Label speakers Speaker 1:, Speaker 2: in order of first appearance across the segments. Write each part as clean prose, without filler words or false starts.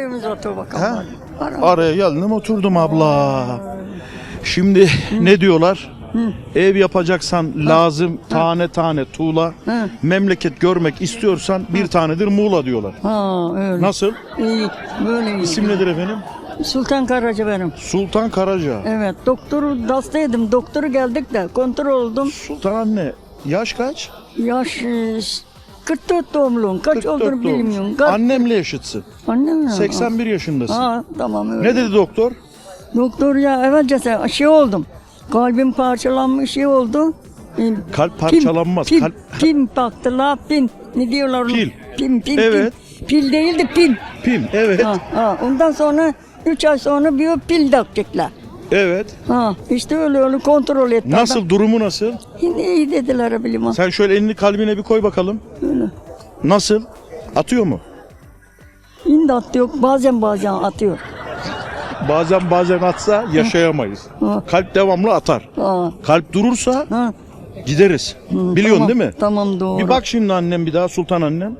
Speaker 1: evimize otur bakalım.
Speaker 2: Ha?
Speaker 1: Hadi.
Speaker 2: Araya geldim oturdum abla. Şimdi ne diyorlar? Ev yapacaksan lazım tane tane tuğla.
Speaker 1: Hı.
Speaker 2: Memleket görmek istiyorsan bir tanedir Muğla diyorlar.
Speaker 1: Ha öyle.
Speaker 2: Nasıl?
Speaker 1: İyi, böyle iyi.
Speaker 2: İsim nedir efendim?
Speaker 1: Sultan Karaca benim.
Speaker 2: Sultan Karaca.
Speaker 1: Evet, doktoru hastaydım. Doktoru geldik de kontrol oldum.
Speaker 2: Sultan anne yaş kaç?
Speaker 1: Yaş 44 doğumluyum. Kaç
Speaker 2: 44
Speaker 1: olduğunu
Speaker 2: doğmuş.
Speaker 1: bilmiyorum.
Speaker 2: Annemle yaşıtsın.
Speaker 1: Annem mi?
Speaker 2: 81 yaşındasın.
Speaker 1: Ha, tamam öyle.
Speaker 2: Ne dedi doktor?
Speaker 1: Doktor ya evvelce şey oldum. Kalbim parçalanmış şey oldu.
Speaker 2: Kalp parçalanmaz.
Speaker 1: Pil,
Speaker 2: Kalp...
Speaker 1: pil baktılar, pil. Ne diyorlar? onu?
Speaker 2: Pil.
Speaker 1: Pil.
Speaker 2: Evet.
Speaker 1: Pil değildi, pil.
Speaker 2: Pim evet.
Speaker 1: Ondan sonra 3 ay sonra bir pil takacaklar.
Speaker 2: Evet.
Speaker 1: İşte öyle kontrol etti.
Speaker 2: Nasıl durumu nasıl?
Speaker 1: Yine iyi dediler bilmem.
Speaker 2: Sen şöyle elini kalbine bir koy bakalım.
Speaker 1: Öyle.
Speaker 2: Nasıl? Atıyor mu?
Speaker 1: Şimdi atıyor, bazen atıyor.
Speaker 2: Bazen atsa yaşayamayız.
Speaker 1: Ha.
Speaker 2: Kalp devamlı atar.
Speaker 1: Ha.
Speaker 2: Kalp durursa
Speaker 1: Ha.
Speaker 2: gideriz. Biliyorsun
Speaker 1: Tamam,
Speaker 2: değil mi?
Speaker 1: Tamam doğru.
Speaker 2: Bir bak şimdi annem bir daha Sultan annem.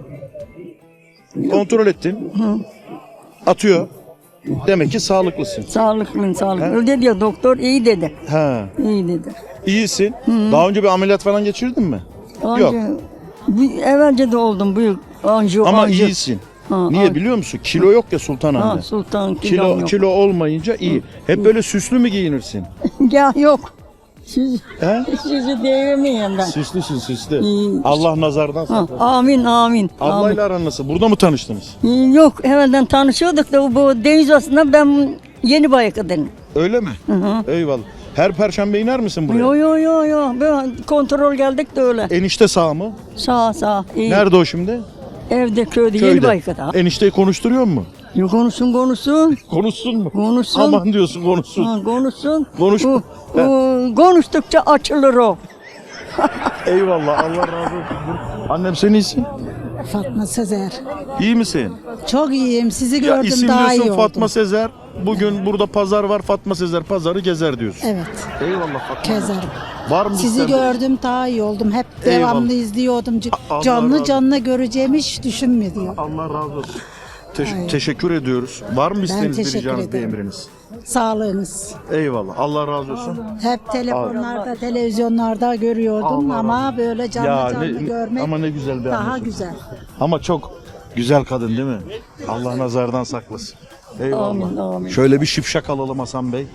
Speaker 2: Kontrol ettin. Atıyor. Demek ki sağlıklısın.
Speaker 1: Sağlıklıyım.
Speaker 2: Ha.
Speaker 1: Öyle diyor doktor, iyi dedi.
Speaker 2: Ha.
Speaker 1: İyi dedi.
Speaker 2: İyisin. Daha önce bir ameliyat falan geçirdin mi? Yok.
Speaker 1: Evvelce de oldum büyük anjiyo.
Speaker 2: Ama iyisin.
Speaker 1: Ha,
Speaker 2: Niye biliyor musun? Kilo yok ya Sultan
Speaker 1: Ha,
Speaker 2: anne.
Speaker 1: Sultan kilom yok.
Speaker 2: Kilo olmayınca iyi. Hep böyle süslü mü giyinirsin?
Speaker 1: Ya yok.
Speaker 2: He?
Speaker 1: Sizi devirmeyeyim ben.
Speaker 2: Süslüsün süslü.
Speaker 1: İyi.
Speaker 2: Allah nazardan saklasın.
Speaker 1: Amin.
Speaker 2: Ablayla aran nasıl? Burada mı tanıştınız?
Speaker 1: Yok evvelden tanışıyorduk da bu deniz aslında ben yeni bayakadım.
Speaker 2: Öyle mi? Eyvallah. Her perşembe iner misin buraya?
Speaker 1: Yo. Ben kontrol geldik de öyle.
Speaker 2: Enişte sağ mı?
Speaker 1: Sağ. İyi.
Speaker 2: Nerede o şimdi?
Speaker 1: Evde köyde yeni bayakada.
Speaker 2: Enişteyi konuşturuyor mu?
Speaker 1: Konuşsun.
Speaker 2: Konuşsun mu?
Speaker 1: Konuşsun.
Speaker 2: Aman diyorsun konuşsun.
Speaker 1: Konuşsun.
Speaker 2: Konuş.
Speaker 1: Konuştukça açılır o.
Speaker 2: Eyvallah Allah razı olsun. Annem sen iyisin?
Speaker 3: Fatma Sezer.
Speaker 2: İyi misin?
Speaker 3: Çok iyiyim. Sizi
Speaker 2: Ya
Speaker 3: gördüm
Speaker 2: isim
Speaker 3: daha iyi
Speaker 2: diyorsun
Speaker 3: oldum.
Speaker 2: Fatma Sezer. Bugün burada pazar var. Fatma Sezer pazarı gezer diyorsun.
Speaker 3: Evet.
Speaker 2: Eyvallah Fatma.
Speaker 3: Kezerim.
Speaker 2: Var mı
Speaker 3: Sizi
Speaker 2: ister-
Speaker 3: gördüm daha iyi oldum. Hep
Speaker 2: Eyvallah.
Speaker 3: devamlı izliyordum.
Speaker 2: Allah
Speaker 3: Canlı
Speaker 2: razı
Speaker 3: canlı göreceğimi hiç düşünmedim.
Speaker 2: Allah razı olsun. Teşekkür ediyoruz. Var mı isteğiniz, bir
Speaker 3: teşekkür
Speaker 2: ricanız, bir
Speaker 3: ederim.
Speaker 2: emriniz?
Speaker 3: Sağlığınız.
Speaker 2: Eyvallah. Allah razı olsun.
Speaker 3: Hep telefonlarda, televizyonlarda görüyordum
Speaker 2: Allah
Speaker 3: ama böyle canlı görmek
Speaker 2: ama ne güzel bir
Speaker 3: daha
Speaker 2: anne.
Speaker 3: güzel.
Speaker 2: Ama çok güzel kadın değil mi? Allah nazardan saklasın. Eyvallah.
Speaker 1: Amin.
Speaker 2: Şöyle bir şipşak alalım Hasan Bey.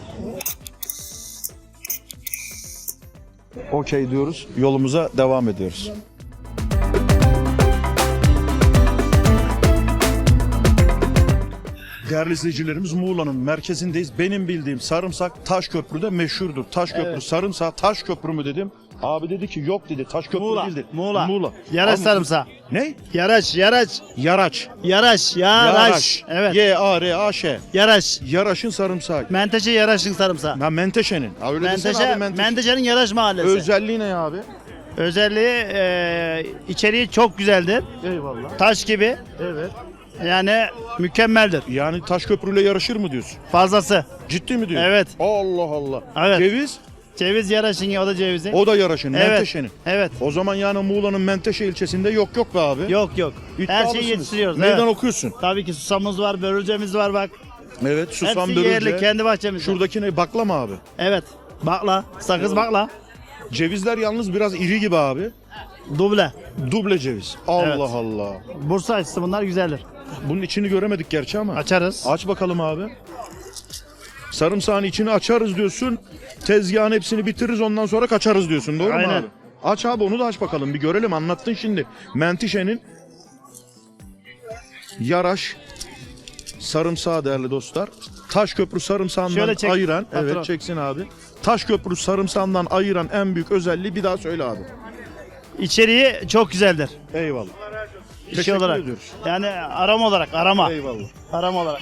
Speaker 2: Okey diyoruz. Yolumuza devam ediyoruz. Değerli izleyicilerimiz Muğla'nın merkezindeyiz. Benim bildiğim sarımsak Taşköprü'de meşhurdur. Taşköprü sarımsağı Taşköprü mü dedim. Abi dedi ki yok dedi. Taşköprü değildir.
Speaker 4: Muğla. Yaraç
Speaker 2: Abi,
Speaker 4: sarımsağı.
Speaker 2: Ne?
Speaker 4: Yaraç.
Speaker 2: Yaraç.
Speaker 4: Yaraş. Evet.
Speaker 2: Y-A-R-A-Ş.
Speaker 4: Yaraş.
Speaker 2: Yaraş'ın sarımsağı.
Speaker 4: Menteşe Yaraş'ın sarımsağı.
Speaker 2: Ha Menteşe'nin. Ha, öyle desene abi Menteşe.
Speaker 4: Menteşe'nin Yaraş mahallesi.
Speaker 2: Özelliği ne abi?
Speaker 4: Özelliği içeriği çok güzeldir.
Speaker 2: Eyvallah.
Speaker 4: Taş gibi.
Speaker 2: Evet.
Speaker 4: Yani mükemmeldir.
Speaker 2: Yani Taşköprü'yle yarışır mı diyorsun?
Speaker 4: Fazlası.
Speaker 2: Ciddi mi diyorsun?
Speaker 4: Evet.
Speaker 2: Allah Allah.
Speaker 4: Evet.
Speaker 2: Ceviz?
Speaker 4: Ceviz Yaraş'ın o da cevizi.
Speaker 2: O da Yaraş'ın,
Speaker 4: Evet.
Speaker 2: Menteşe'nin.
Speaker 4: Evet.
Speaker 2: O zaman yani Muğla'nın Menteşe ilçesinde yok be abi.
Speaker 4: Yok. Her
Speaker 2: İddialısınız.
Speaker 4: şeyi yetiştiriyoruz.
Speaker 2: Meydan
Speaker 4: Evet.
Speaker 2: okuyorsun.
Speaker 4: Tabii ki susamımız var, börülcemiz var bak.
Speaker 2: Evet, susam
Speaker 4: Hepsi yerli,
Speaker 2: börülce.
Speaker 4: kendi bahçemizde.
Speaker 2: Şuradaki ne? Bakla mı abi?
Speaker 4: Evet. Bakla. Sakız bakla.
Speaker 2: Cevizler yalnız biraz iri gibi abi.
Speaker 4: Duble.
Speaker 2: Duble ceviz. Allah
Speaker 4: Evet.
Speaker 2: Allah.
Speaker 4: Bursa açısı bunlar güzeldir.
Speaker 2: Bunun içini göremedik gerçi ama.
Speaker 4: Açarız.
Speaker 2: Aç bakalım abi. Sarımsağın içini açarız diyorsun. Tezgahın hepsini bitiririz ondan sonra kaçarız diyorsun. Doğru mu
Speaker 4: Aynen.
Speaker 2: abi? Aç abi onu da aç bakalım. Bir görelim. Anlattın şimdi. Menteşe'nin Yaraş sarımsağı değerli dostlar. Taşköprü sarımsağından
Speaker 4: Şöyle çek,
Speaker 2: ayıran.
Speaker 4: patron.
Speaker 2: Evet çeksin abi. Taşköprü sarımsağından ayıran en büyük özelliği bir daha söyle abi.
Speaker 4: İçeriği çok güzeldir.
Speaker 2: Eyvallah.
Speaker 4: İşi
Speaker 2: Teşekkür
Speaker 4: olarak.
Speaker 2: ediyoruz.
Speaker 4: Yani arama olarak.
Speaker 2: Eyvallah.
Speaker 4: Arama olarak.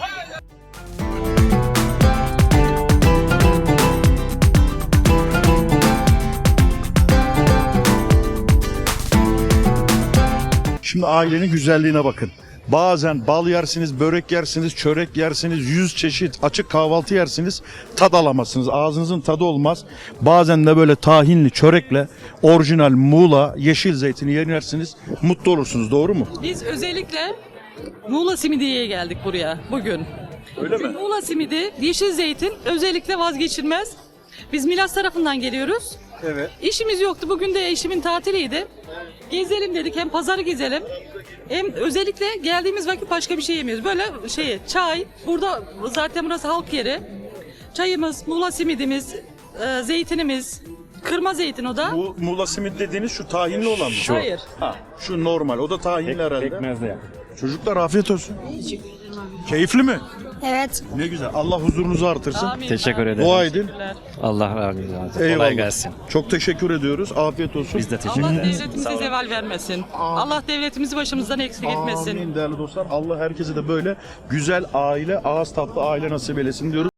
Speaker 2: Şimdi ailenin güzelliğine bakın. Bazen bal yersiniz, börek yersiniz, çörek yersiniz, 100 çeşit açık kahvaltı yersiniz, tad alamazsınız. Ağzınızın tadı olmaz. Bazen de böyle tahinli çörekle orijinal Muğla yeşil zeytini yersiniz, mutlu olursunuz. Doğru mu?
Speaker 5: Biz özellikle Muğla Simidiye'ye geldik buraya bugün.
Speaker 2: Öyle mi?
Speaker 5: Muğla simidi, yeşil zeytin özellikle vazgeçilmez. Biz Milas tarafından geliyoruz.
Speaker 2: Evet.
Speaker 5: İşimiz yoktu. Bugün de eşimin tatiliydi. Gezelim dedik. Hem pazarı gezelim. Hem özellikle geldiğimiz vakit başka bir şey yemiyoruz. Böyle çay. Burada zaten burası halk yeri. Çayımız, Muğla simidimiz, zeytinimiz. Kırma zeytin o da.
Speaker 2: Bu Muğla simit dediğiniz şu tahinli olan mı?
Speaker 5: Hayır.
Speaker 2: Ha, şu normal. O da tahinli herhalde.
Speaker 6: Pekmezle yap.
Speaker 2: Çocuklar afiyet olsun. Keyifli mi?
Speaker 7: Evet.
Speaker 2: Ne güzel. Allah huzurunuzu artırsın.
Speaker 5: Amin.
Speaker 6: Teşekkür ederim.
Speaker 2: Dua edin.
Speaker 6: Allah razı olsun.
Speaker 2: Eyvallah.
Speaker 6: Kolay gelsin.
Speaker 2: Çok teşekkür ediyoruz. Afiyet olsun.
Speaker 6: Biz de teşekkür
Speaker 5: Allah
Speaker 6: ederiz.
Speaker 5: devletimize zeval vermesin. Allah devletimizi başımızdan eksik etmesin.
Speaker 2: Amin değerli dostlar. Allah herkese de böyle güzel aile, ağız tatlı aile nasip eylesin diyoruz.